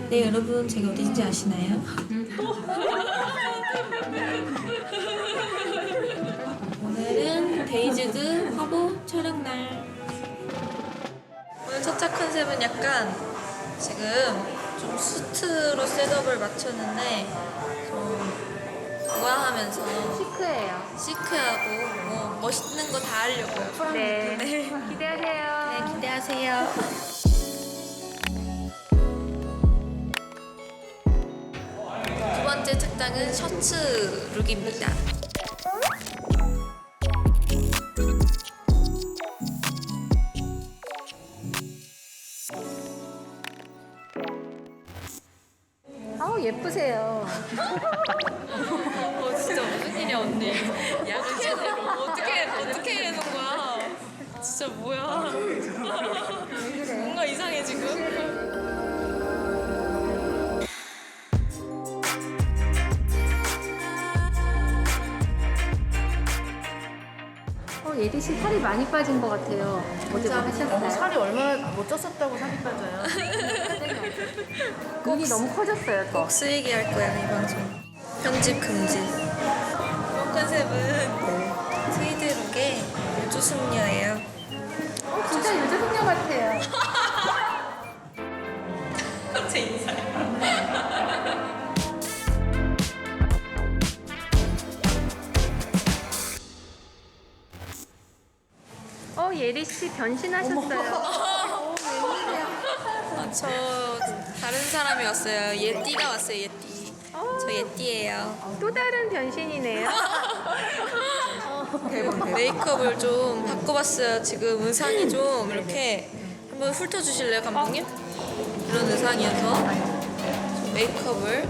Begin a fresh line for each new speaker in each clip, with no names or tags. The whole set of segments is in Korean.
네, 여러분, 제가 어디인지 아시나요? 오늘은 데이즈드 화보 촬영날. 오늘 첫차 컨셉은 약간 지금 좀 수트로 셋업을 맞췄는데 좀 우아하면서 시크하고 멋있는 거 다 하려고요.
네.
네.
기대하세요.
네, 기대하세요. 두 번째 착장은 셔츠 룩입니다.
아우 예쁘세요.
진짜 무슨 일이야 언니? 약을 제대로 어떻게 해놓은 거야? 진짜 뭐야? 뭔가 이상해 지금.
예리 씨 살이 많이 빠진 것 같아요. 어제 뭐 하셨어요?
살이 얼마나 못 쪘었다고 살이 빠져요.
눈이 너무 커졌어요. 또.
꼭 쓰이게 할 거야 이 방송. 편집 금지. 이번 컨셉은 트위드 룩의 우주 숙녀예요.
진짜 요즘 숙녀 같아요.
제 인사해.
예리 씨 변신하셨어요.
저 다른 사람이 왔어요. 예띠가 왔어요. 예띠. 저 예띠예요.
또 다른 변신이네요.
메이크업을 좀 바꿔봤어요. 지금 의상이 좀 이렇게 한번 훑어주실래요, 감독님? 이런 의상이어서 좀 메이크업을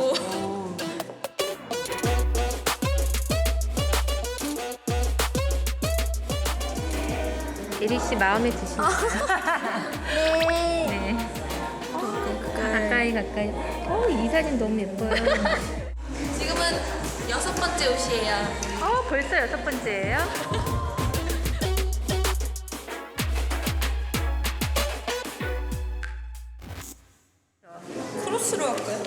예리 씨 마음에 드시나요? 네. 가까이. 이 사진 너무 예뻐요.
지금은 6번째 옷이에요.
벌써 6번째예요?
크로스로 할까요?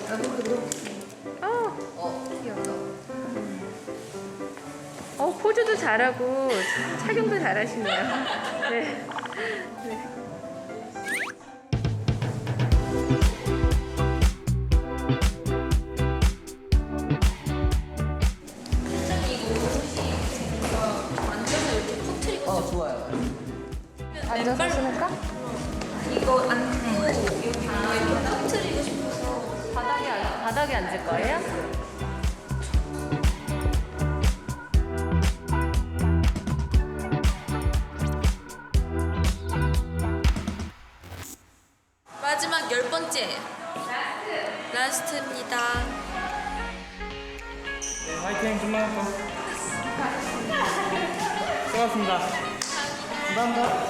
귀엽다. 포즈도 잘하고 착용도 잘하시네요. 네.
앉아서 신을까?
이거 안고 여기 이렇게 터트리고 싶어서
바닥에 앉을 거예요?
마지막 10번째 라스트입니다.
화이팅 좀만 수고하셨습니다. 감사합니다.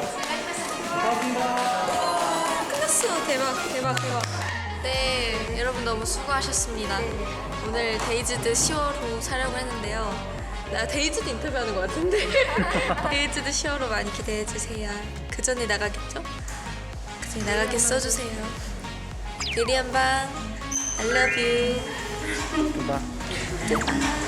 고맙습니다.
끝났어. 대박. 네, 여러분 너무 수고하셨습니다. 오늘 데이즈드 10월호 촬영을 했는데요. 나 데이즈드 인터뷰하는 것 같은데. 데이즈드 10월호 많이 기대해주세요. 그 전에 나가겠죠? 그 전에 나가게 써주세요. 예리 한방 I love you.
봐.